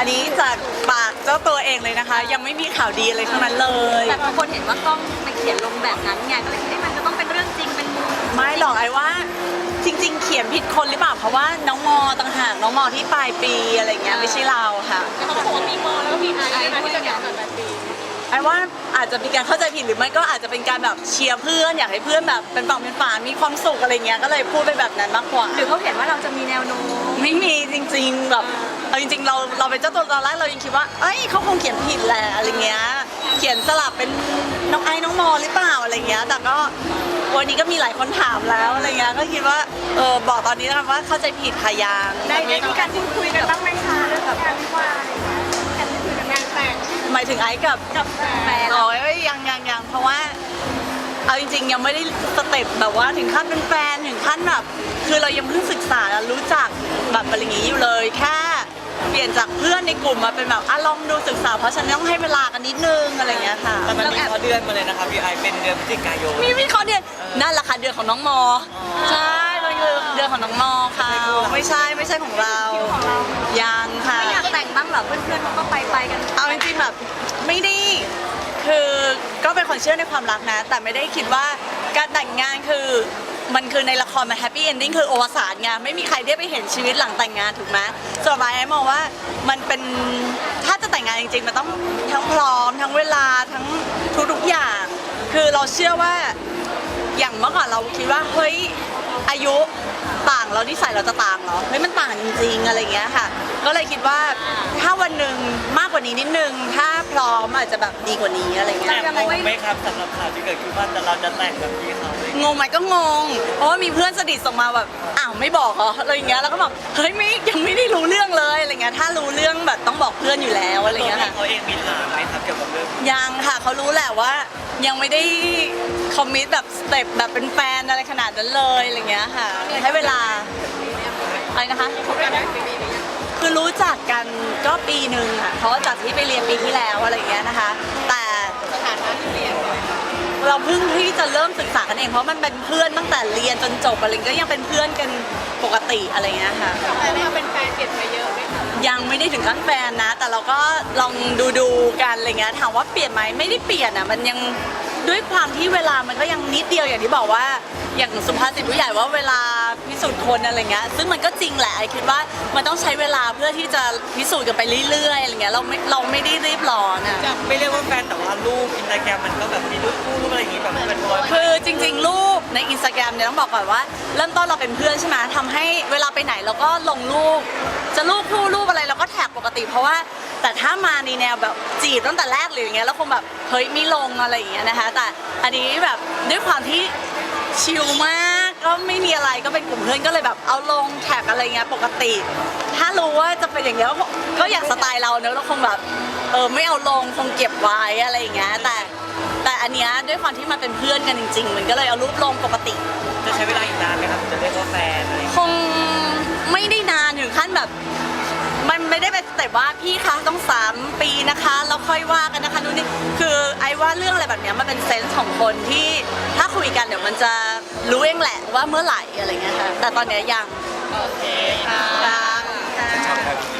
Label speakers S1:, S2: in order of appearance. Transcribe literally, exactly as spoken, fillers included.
S1: อันนี้จากปากเจ้าตัวเองเลยนะคะ ยังไม่มีข่าวดีอะไรทั้งนั้นเลย
S2: แต่บางคนเห็นว่ากล้องไปเขียนลงแบบนั้นไงก็เลยคิดว่ามันจะต้องเป็นเรื่องจริงเป็นมู
S1: ไม่หรอกไอ้ว่าจริง ๆ เขียนผิดคนหรือเปล่าเพราะว่าน้องมอต่างหากน้องมอที่ปลายปีอะไรเงี้ยไม่ใช่เราค่ะ
S2: แล้วเขาก็บอกว่ามีมอแล้วก็มีไอซ์นะที่จะอย่างแบบปี
S1: ไอ้ว่าอาจจะมีการเข้าใจผิดหรือไม่ก็อาจจะเป็นการแบบเชียร์เพื่อนอยากให้เพื่อนแบบเป็นฝั่งเป็นฝามีความสุขอะไรเงี้ยก็เลยพูดไปแบบนั้นมากกว่า
S2: หรือเขาเห็นว่าเราจะมีแนวโน้ม
S1: ไม่มีจริงๆแบบเอาจริงๆเราเราเป็นเจ้าตัวตอนแรกเรายังคิดว่าเอ้ยเขาคงเขียนผิดแหละอะไรเงี้ยเขียนสลับเป็นน้องไอ้น้องมอหรือเปล่าอะไรเงี้ยแต่ก็วันนี้ก็มีหลายคนถามแล้วอะไรเงี้ยก็คิดว่าเออบอกตอนนี้นะคะว่าเข้าใจผิดค่ะยัง
S2: ได้ได้มีการพูดคุยกันบ้างไหมคะเรื่องแบบการวิวาอะไรอย่างเงี้ยการพูดคุยกันงานแต่ง
S1: หมายถึงไอ้กับ
S2: กับแฟน
S1: อ๋อยังยังยังเพราะว่าเอาจริงๆยังไม่ได้สเต็ปแบบว่าถึงขั้นเป็นแฟนถึงขั้นแบบคือเรายังเพิ่งศึกษารู้จักแบบอะไรอย่างงี้อยู่เลยแค่เปลี่ยนจากเพื่อนในกลุ่มมาเป็นแบบอ่ะลองดูศึกษาเพราะฉันต้องให้เวลากันนิดนึงอะไรอย่างเงี้ยค่ะ
S3: แต่มันมีเขาเดือนมาเลยนะครับพี่ไอเป็นเดือนพฤศจิกายน
S1: มีมีข้อเดือนนั่นแหละค่ะเดือนของน้องมอใช่มันคือเดือนของน้องมอค่ะไม่ใช่ไม่ใช่ของเรา
S2: ของเรา
S1: ยังค่ะ
S2: ไม่อยากแต่งบ้างเหรอเพื่อนๆเขาก็ไปไปกัน
S1: เอาจริงๆแบบไม่ได้คือก็เป็นคนเชื่อในความรักนะ แต่ไม่ได้คิดว่าการแต่งงานคือมันคือในละครมันแฮปปี้เอนดิ้งคือโอวสานไงไม่มีใครได้ไปเห็นชีวิตหลังแต่งงานถูกไหมส่วนไอ้มองว่ามันเป็นถ้าจะแต่งงานจริงๆมันต้องทั้งพร้อมทั้งเวลาทั้งทุกๆอย่าง คือเราเชื่อว่าอย่างเมื่อก่อนเราคิดว่าเฮ้ยอายุต่างแล้วนิสัยเราจะต่างเหรอเฮ้ยมันต่างจริงๆอะไรอย่างเงี้ยค่ะ ก็เลยคิดว่าถ้าวันหนึ่งมากกว่านี้นิดนึงถ้าพร้อมอาจจะแบบดีกว่านี้อะไรเงี้ย
S3: แต่งงไหมครับสำหรับข่าวที่เกิดขึ้นว่าเราจะแต่งแบบพี่เขาเลย
S1: งงไหมก็งง เพราะว่ามีเพื่อนสนิทส่งมาแบบอ้าวไม่บอกเหรออะไรอย่างเงี้ยแล้วก็บอกเฮ้ยไม่ยังไม่ได้รู้เรื่องเลยอะไรเงี้ยถ้ารู้เรื่องแบบต้องบอกเพื่อนอยู่แล้วอะไร
S3: ตัว
S1: เงี้ย
S3: พี่
S1: ค่ะ
S3: เขาเองมีถามไหมครับเกี่ยวกับเรื่อง
S1: ยังค่ะเขารู้แหละว่ายังไม่ได้คอมมิตแบบสเต็ปแบบเป็นแฟนอะไรขนาดนั้นเลยอะไรเงี้ยค่ะให้เวลาอะไรนะคะ
S2: คบกันได้ปีนี้หรือยัง
S1: คือรู้จักกันก็ปีหนึ่งค่ะเพราะว่าจากที่ไปเรียนปีที่แล้วอะไรอย่างเงี้ยนะคะ แต่
S2: สถานะที่เปลี่ยน
S1: เราเพิ่งที่จะเริ่มศึกษากันเองเพราะมันเป็นเพื่อนตั้งแต่เรียนจนจบอะไรก็ยังเป็นเพื่อนกันปกติอะไรเงี้ยค่ะ
S2: แต่ได้มาเป็นแฟนเปลี่ยนไปเยอะไหมคะ
S1: ยังไม่ได้ถึงขั้นแฟนนะ แต่เราก็ลองดูดูๆกันอะไรเงี้ยถามว่าเปลี่ยนไหมไม่ได้เปลี่ยนอ่ะมันยังด้วยความที่เวลามันก็ยังนิดเดียวอย่างที่บอกว่าอย่างสุภาษิตผู้ใหญ่ว่าเวลาพิสูจน์คนอะไรเงี้ยซึ่งมันก็จริงแหละไอคิดว่ามันต้องใช้เวลาเพื่อที่จะพิสูจน์กันไปเรื่อยๆอะไรเงี้ยเราไม่เราไม่ได้รีบร้อนอ่ะ
S3: ไม่เรียกว่าแฟนแต่ว่ารูปอินสตาแกรมมันก็แบบมีรูปคู่รูปอะไรอย่างงี้แบบเป็นรอย
S1: คือจริงๆ รูปในอินสตาแกรมเนี่ยต้องบอกก่อนว่าเริ่มต้นเราเป็นเพื่อนใช่ไหมทำให้เวลาไปไหนเราก็ลงรูป จะรูปคู่รูปอะไรเราก็แท็กปกติ เพราะว่าแต่ถ้ามาในแนวแบบจีบตั้งแต่แรกหรืออย่างเงี้ยแล้วคงแบบเฮ้ยไม่ลงอะไรอย่างเงี้ยนะคะแต่อันนี้แบบด้วยความที่ชิลมากก็ไม่มีอะไรก็เป็นกลุ่มเพื่อนก็เลยแบบเอาลงแท็กอะไรเงี้ยปกติ ถ้ารู้ว่าจะเป็นอย่างเงี้ยก็ก็อยากสไตล์เราเนอะเราคงแบบเออไม่เอาลงคงเก็บไว้อะไรอย่างเงี้ยแต่ แต่อันเนี้ยด้วยความที่มันเป็นเพื่อนกันจริงๆ มันก็เลยเอารูปลงปกติ
S3: จะใช้เวลาอีกนานไหมครับถึงจะเรียกว่าแฟนอะไรอย่าง
S1: ค
S3: เงี้ย
S1: งไม่ได้นานถึงขั้นแบบ มันไม่ได้เป็นแต่ว่าพี่คะต้องสามปีนะคะแล้วค่อยว่ากันนะคะนู่นนี่คือไอ้ว่าเรื่องอะไรแบบเนี้ยมันเป็นเซนส์ของคนที่ถ้าคุยกันเดี๋ยวมันจะรู้เองแหละว่าเมื่อไหร่อะไรเงี้ยค่ะแต่ตอนเนี้ยยัง
S2: โอเคค่ะ
S1: ยัง